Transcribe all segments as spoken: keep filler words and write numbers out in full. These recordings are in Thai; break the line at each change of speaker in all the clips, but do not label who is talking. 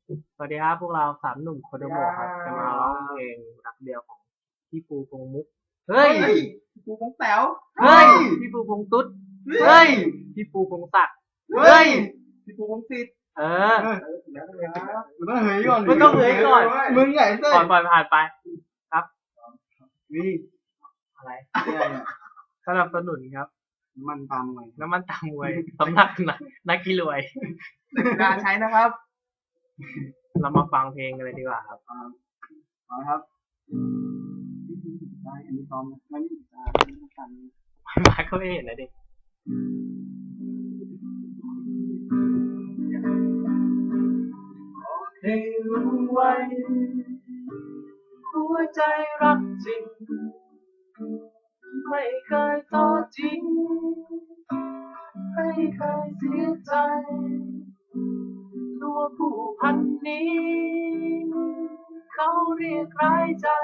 สวัสดีครับพวกเราสามหนุ่มโคโดโมะครับจะมาร้องเพลงรักเดียวของพี่ปูพงษ์มุกเฮ้ย
ปูพงแต๋ว
เฮ้ยพี่ปูพงษ์ตุ๊ดเฮ้ยพี่ปูพงษ์ศักดิ์เฮ้ย
พี่ปูพงศิษฐ์
เออ
มันต้องเฮ้ยก่อน
มันต้องเฮ้ยก่อน
มึงใหญ่เส้น
ก่อนปล่อยผ่านไปครับ
นี่
อะไร
เนี่ย
สนับสนุนครับ
มันตามหน่อย
น้ำมันตามวยสำนักนักนักกีรวย
การใช้นะครับ
เรามาฟังเพลงกันเลยดีกว่าครับ
เอาละครับได้อันนี้ซ้อมนะไม่มีอ่าไม่ต้องกัน
มาก็ไม่เห็นเลยดิ ให้รู้ไว้หัวใจรักจริงไม่เคยทอดทิ้งไม่เคยเสียใจตัวผู้พันนี้เขาเรียกร้ายใจ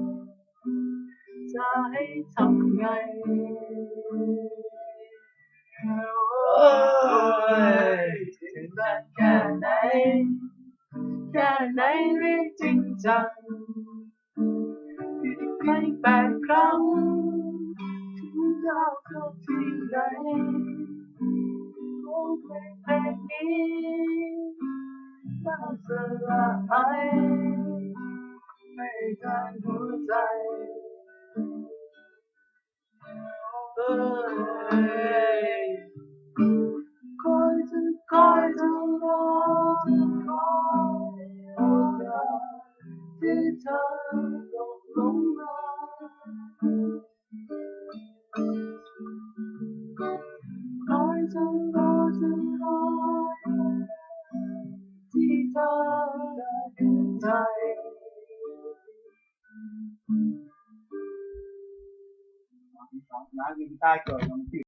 จะให้ทำไงโอ้ยถึงจะแค่ไหนแค่ไหนเรียกจริงจังไม่แปดครั้งถึงดาวเข้าที่ไหนโอ้เพลงเพลงนี้น่าสลายไม่การหัวใจเอ้ยคอยจะคอยจะรอจะคอยโอกาสที่เธอตกลงมาคอยจะรอจะคอยที่เธอจะเห็นใจ
น้ากีตาร์เกิดมัน